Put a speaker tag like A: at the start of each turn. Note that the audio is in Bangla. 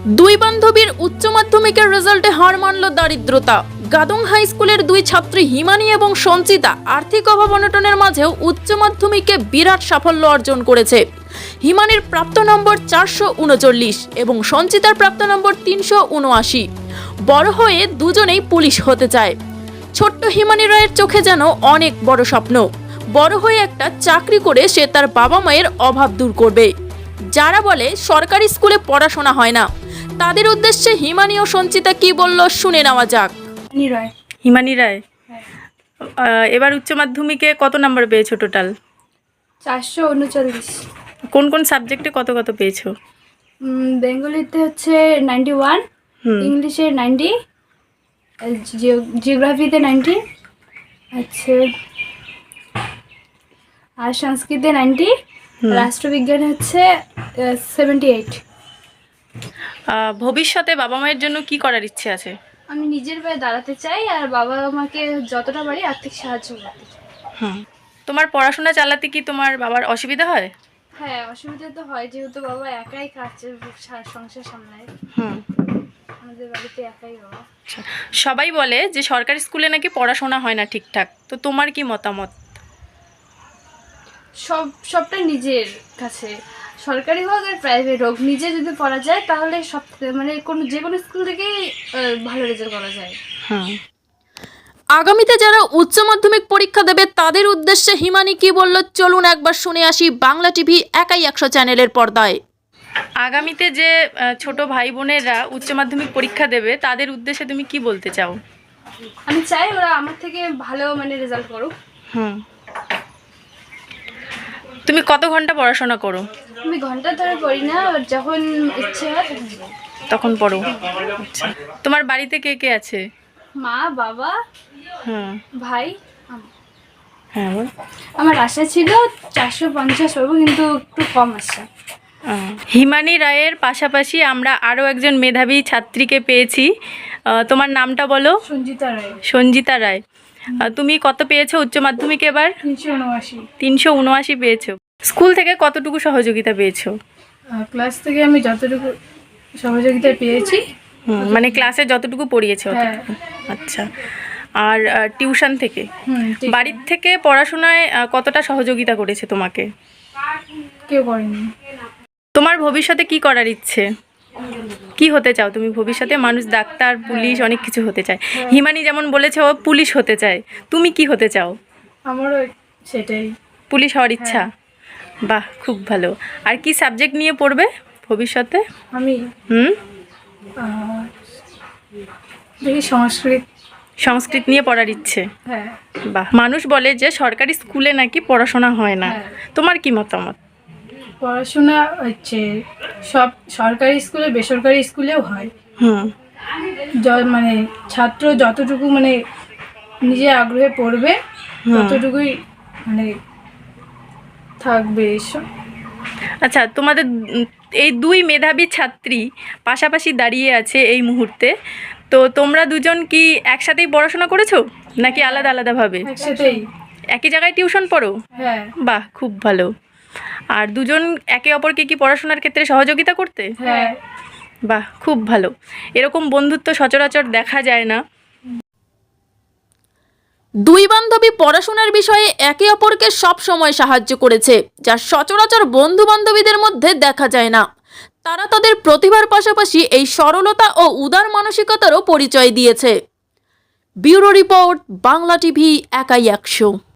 A: দুই বান্ধবীর উচ্চ মাধ্যমিকের রেজাল্টে হার মানল দারিদ্রতা। গাদং হাই স্কুলের দুই ছাত্রী হিমানি এবং সঞ্চিতা আর্থিক অভাব অনটনের মাঝেও উচ্চ মাধ্যমিকে বিরাট সাফল্য অর্জন করেছে। হিমানির প্রাপ্ত নম্বর 439 এবং সঞ্চিতার প্রাপ্ত নম্বর 379। বড় হয়ে দুজনেই পুলিশ হতে চায়। ছোট্ট হিমানি রায়ের চোখে যেন অনেক বড় স্বপ্ন, বড় হয়ে একটা চাকরি করে সে তার বাবা মায়ের অভাব দূর করবে। যারা বলে সরকারি স্কুলে পড়াশোনা হয় না, তাদের উদ্দেশ্যে হিমানি ও সঞ্চিতা কি বলল শুনে নেওয়া যাক।
B: হিমানি রায়, এবার উচ্চ মাধ্যমিকে কত নাম্বার পেয়েছো টোটাল?
C: 439।
B: কোন কোন সাবজেক্টে কত কত পেয়েছো?
C: বেঙ্গলিতে হচ্ছে 91, ইংলিশে 90, জিওগ্রাফিতে 90, আচ্ছা, আর সংস্কৃতে 90, রাষ্ট্রবিজ্ঞানে হচ্ছে 78।
B: ভবিষ্যতে বাবা মায়ের জন্য কি করার ইচ্ছে আছে?
C: আমি নিজের পায়ে দাঁড়াতে চাই আর বাবা মাকে যতটা পারি আর্থিক সাহায্য করতে চাই।
B: তোমার পড়াশোনা চালাতে কি তোমার বাবার অসুবিধা হয়?
C: হ্যাঁ, অসুবিধা তো হয়, যেহেতু বাবা একাই সংসার সামলায়। আমাদের বাড়িতে একাই বাবা।
B: সবাই বলে যে সরকারি স্কুলে নাকি পড়াশোনা হয় না ঠিকঠাক, তো তোমার কি মতামত?
C: সবটা নিজের কাছে, সরকারি হোক আর প্রাইভেট হোক, নিজে যদি পড়া যায় তাহলে সব মানে যে কোনো স্কুল থেকেই ভালো রেজাল্ট করা যায়।
A: আগামীতে যারা উচ্চ মাধ্যমিক পরীক্ষা দেবে তাদের উদ্দেশ্যে হিমানি কি বলল চলুন একবার শুনে আসি বাংলা টিভি একাই 100 চ্যানেলের পর্দায়।
B: আগামীতে যে ছোট ভাই বোনেরা উচ্চ মাধ্যমিক পরীক্ষা দেবে তাদের উদ্দেশ্যে তুমি কি বলতে চাও?
C: আমি চাই ওরা আমার থেকে ভালো রেজাল্ট করুক।
B: তুমি কত ঘন্টা পড়াশোনা করো?
C: আমি ঘন্টা ধরে পড়ি না, যখন ইচ্ছে হয়
B: তখন পড়ো। আচ্ছা, তোমার বাড়িতে কে কে আছে?
C: মা, বাবা, ভাই।
B: হ্যাঁ,
C: আমার আশা ছিল 450 পাবো, কিন্তু একটু কম আসছে।
B: হিমানি রায়ের পাশাপাশি আমরা আরও একজন মেধাবী ছাত্রীকে পেয়েছি। তোমার নামটা বলো।
C: সঞ্জিতা রায়।
B: সঞ্জিতা রায়, তুমি কত পেয়েছো উচ্চ মাধ্যমিকে এবার?
C: 379।
B: 379 পেয়েছো। স্কুল থেকে কতটুকু সহযোগিতা পেয়েছো?
C: ক্লাস থেকে আমি যতটুকু সহযোগিতা পেয়েছি,
B: মানে ক্লাসে যতটুকু পড়িয়েছো। আচ্ছা, আর টিউশন থেকে? বাড়ির থেকে পড়াশোনায় কতটা সহযোগিতা করেছে তোমাকে?
C: কেউ করেনি।
B: তোমার ভবিষ্যতে কি করার ইচ্ছে? কি হতে চাও তুমি ভবিষ্যতে? মানুষ ডাক্তার, পুলিশ, অনেক কিছু হতে চায়। হিমানি যেমন বলেছে ও পুলিশ হতে চায়, তুমি কি হতে চাও?
C: আমারও সেটাই,
B: পুলিশ হওয়ার ইচ্ছা। বাহ, খুব ভালো। আর কি সাবজেক্ট নিয়ে পড়বে ভবিষ্যতে?
C: আমি দেখি
B: সংস্কৃত নিয়ে পড়ার ইচ্ছে।
C: হ্যাঁ।
B: বাহ। মানুষ বলে যে সরকারি স্কুলে নাকি পড়াশোনা হয় না, তোমার কি মতামত?
C: পড়াশোনা হচ্ছে সব সরকারি স্কুলে, বেসরকারি স্কুলেও হয়। ছাত্র যতটুকু নিজে আগ্রহে পড়বে ততটুকুই থাকবে।
B: আচ্ছা, তোমাদের এই দুই মেধাবী ছাত্রী পাশাপাশি দাঁড়িয়ে আছে এই মুহূর্তে, তো তোমরা দুজন কি একসাথেই পড়াশোনা করেছো নাকি আলাদা আলাদাভাবে?
C: একসাথেই।
B: একই জায়গায় টিউশন পড়ো?
C: হ্যাঁ।
B: বাহ, খুব ভালো। আর দুজন একে অপরকে কি পড়াশোনার ক্ষেত্রে সহযোগিতা করতে?
C: হ্যাঁ।
B: বাহ, খুব ভালো। এরকম বন্ধুত্ব সচরাচর দেখা যায় না।
A: দুই বান্ধবী পড়াশোনার বিষয়ে একে অপরকে সব সময় সাহায্য করেছে, যা সচরাচর বন্ধু বান্ধবীদের মধ্যে দেখা যায় না। তারা তাদের প্রতিভার পাশাপাশি এই সরলতা ও উদার মানসিকতারও পরিচয় দিয়েছে। ব্যুরো রিপোর্ট, বাংলা টিভি একাই 100।